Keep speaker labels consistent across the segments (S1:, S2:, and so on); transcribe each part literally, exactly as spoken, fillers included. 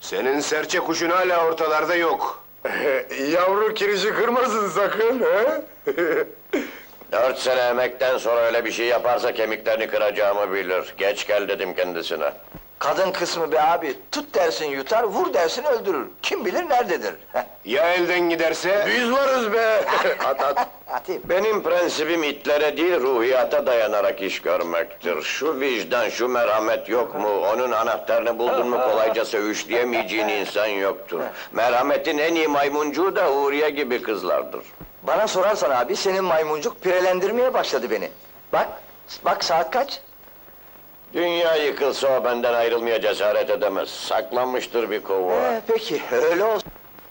S1: Senin serçe kuşun hala ortalarda yok.
S2: Yavru kirişi kırmasın sakın, he?
S3: Dört sene emekten sonra öyle bir şey yaparsa kemiklerini kıracağımı bilir. Geç gel dedim kendisine.
S4: Kadın kısmı be abi, tut dersin yutar, vur dersin öldürür. Kim bilir nerededir?
S1: Ya elden giderse?
S2: Biz varız be! At at!
S4: Atayım.
S3: Benim prensibim itlere değil, ruhiyata dayanarak iş görmektir. Şu vicdan, şu merhamet yok mu? Onun anahtarını buldun mu kolayca söğüşleyemeyeceğin insan yoktur. Merhametin en iyi maymuncuğu da Huriye gibi kızlardır.
S4: Bana sorarsan abi, senin maymuncuk pirelendirmeye başladı beni. Bak, bak saat kaç?
S3: Dünya yıkılsa o benden ayrılmaya cesaret edemez. Saklanmıştır bir kovuğa.
S4: Ee, peki, öyle olsun.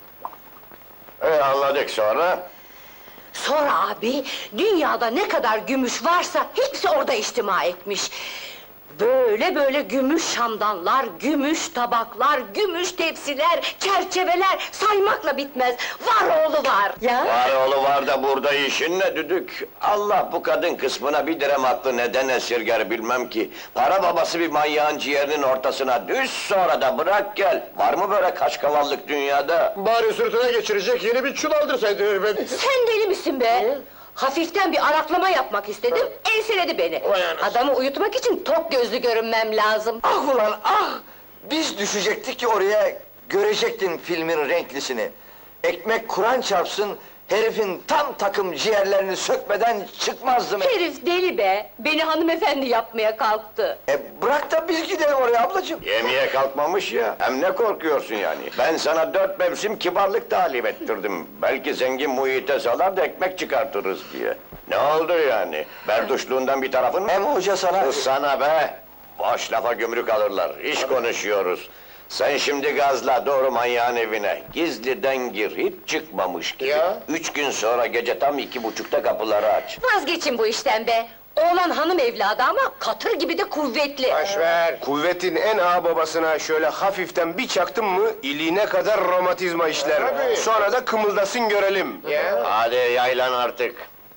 S3: E anladık sonra?
S5: Sonra abi, dünyada ne kadar gümüş varsa hepsi orada içtima etmiş. Böyle böyle gümüş şamdanlar, gümüş tabaklar, gümüş tepsiler, çerçeveler saymakla bitmez. Var oğlu var ya.
S3: Var oğlu var da burada işin ne düdük? Allah bu kadın kısmına bir direm aklı neden esirger bilmem ki. Para babası bir manyağın ciğerinin ortasına düş sonra da bırak gel. Var mı böyle kaşkavallık dünyada?
S2: Bari sırtına geçirecek yeni bir çul aldırsaydın ben.
S5: Sen deli misin be? Hafiften bir araklama yapmak istedim, enseledi beni.
S2: Vay anasını.
S5: Adamı uyutmak için tok gözlü görünmem lazım.
S4: Ah ulan ah! Biz düşecektik ki oraya, görecektin filmin renklisini. Ekmek Kur'an çarpsın, herifin tam takım ciğerlerini sökmeden çıkmazdım.
S5: Herif deli be, beni hanımefendi yapmaya kalktı.
S4: E bırak da biz gidelim oraya ablacığım.
S3: Yemeğe kalkmamış ya, hem ne korkuyorsun yani? Ben sana dört mevsim kibarlık talim ettirdim. Belki zengin muhite salar da ekmek çıkartırız diye. Ne oldu yani? Berduşluğundan bir tarafın mı?
S4: Hem hoca sana...
S3: Sana be! Boş lafa gümrük alırlar, iş konuşuyoruz. Sen şimdi gazla, doğru manyağın evine. Gizliden gir, hiç çıkmamış gibi.
S2: Ya?
S3: Üç gün sonra gece tam iki buçukta kapıları aç.
S5: Vazgeçin bu işten be! Oğlan hanım evladı ama katır gibi de kuvvetli.
S2: Boşver!
S1: Kuvvetin en ağa babasına şöyle hafiften bir çaktın mı, iliğine kadar romatizma işler.
S2: Tabii.
S1: Sonra da kımıldasın görelim.
S2: Ya?
S3: Hadi yaylan artık.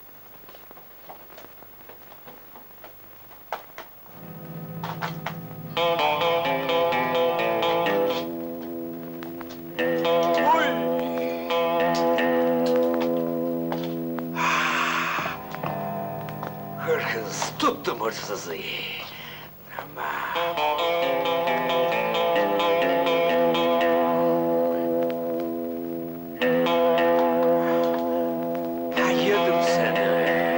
S4: Hırkız, tuttum hırsızı. Ya yedim seni.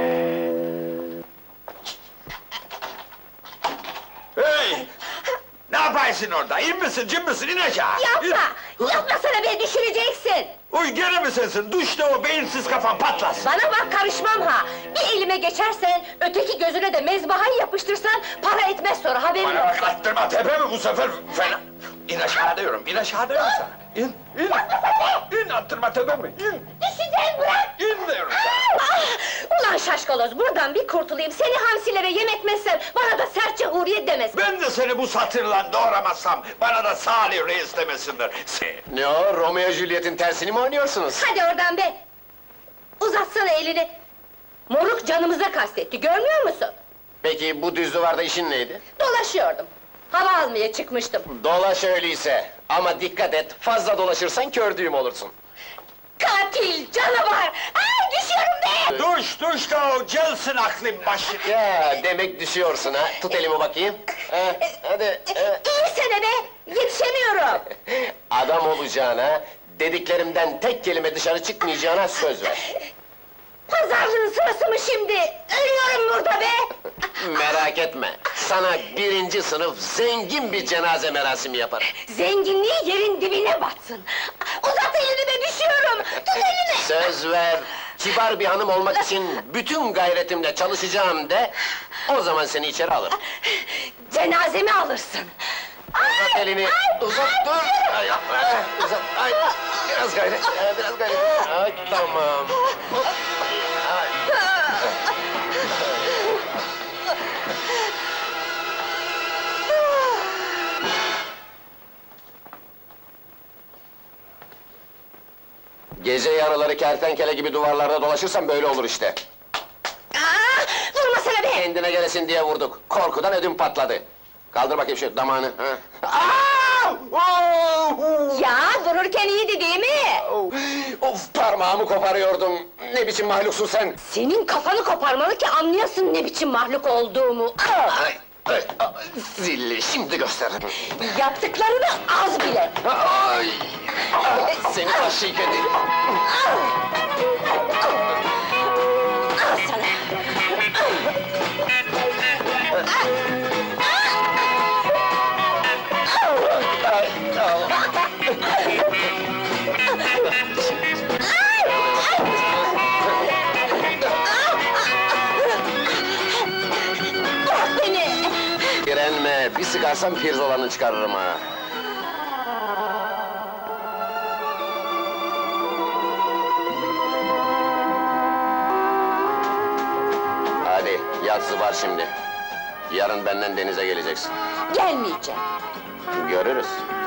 S6: Hey! Ne yaparsın orada? İn misin, cin misin? İn aşağı!
S5: Yapma! Yapmasana beni düşüreceksin!
S6: Uy, gene mi sensin? Duşta o beyinsiz kafan patlasın!
S5: Bana bak karışmam ha! Bir elime geçersen, öteki gözüne de mezbahayı yapıştırsan, para etmez sonra haberin
S6: Bana bak,
S5: olsun!
S6: attırma tepe mi bu sefer? Fena! İn aşağı diyorum, in aşağı diyorum sana! İn, in! İn, attırma tepe mi? İn!
S5: Düşeceğim bırak!
S6: İn diyorum sana!
S5: Ah! Ulan şaşkaloz, buradan bir kurtulayım, seni hamsilere yem etmezsem, bana da serçe Huriye demesin!
S6: Ben de seni bu satırla doğramazsam, bana da Salih Reis demesinler! Se-
S2: Ne o, Romeo Juliet'in tersini mi oynuyorsunuz?
S5: Hadi oradan be! Uzatsana elini! Moruk canımıza kastetti, görmüyor musun?
S2: Peki bu düz duvarda işin neydi?
S5: Dolaşıyordum. Hava almaya çıkmıştım.
S2: Dolaş öyleyse. Ama dikkat et, fazla dolaşırsan kör düğüm olursun.
S5: Katil, canavar! Ay düşüyorum be!
S6: Duş, duş da o gelsin aklın başına!
S2: Ya, demek düşüyorsun ha. Tut elimi bakayım. Ha, hadi. ha.
S5: İyi sene be! Yetişemiyorum!
S2: Adam olacağına, dediklerimden tek kelime dışarı çıkmayacağına söz ver.
S5: Pazarlığın sırası mı şimdi? Ölüyorum burada be!
S2: Merak etme, sana birinci sınıf zengin bir cenaze merasimi yaparım.
S5: Zenginliği yerin dibine batsın! Uzat elini be, düşüyorum! Tut elini!
S2: Söz ver, kibar bir hanım olmak için bütün gayretimle çalışacağım de, o zaman seni içeri alırım.
S5: Cenazemi alırsın!
S2: Uzat elini, uzat dur! Ay, ay, uzat, ay, biraz gayret, ay, biraz gayret. Ay, tamam. Hop. Ay. Gece yarıları kertenkele gibi duvarlarda dolaşırsan böyle olur işte.
S5: Aa, vurmasana be!
S2: Kendine gelesin diye vurduk, korkudan ödüm patladı. Kaldır bakayım şu damağını. Ha. Aa! Oo!
S5: öldürürken iyiydi değil mi?
S2: Of, parmağımı koparıyordum. Ne biçim mahluksun sen?
S5: Senin kafanı koparmalı ki anlayasın ne biçim mahluk olduğumu.
S2: Ay, ay, ay, zilli, şimdi gösteririm.
S5: Yaptıklarını az bile.
S2: Ay! Ay, seni vahşi kedi!
S5: Al sana. Bırak beni.
S2: Direnme, bir sıkarsam pirzolanı çıkarırım ha! Hadi, yatsı var şimdi. Yarın benden denize geleceksin.
S5: Gelmeyeceğim.
S2: Görürüz.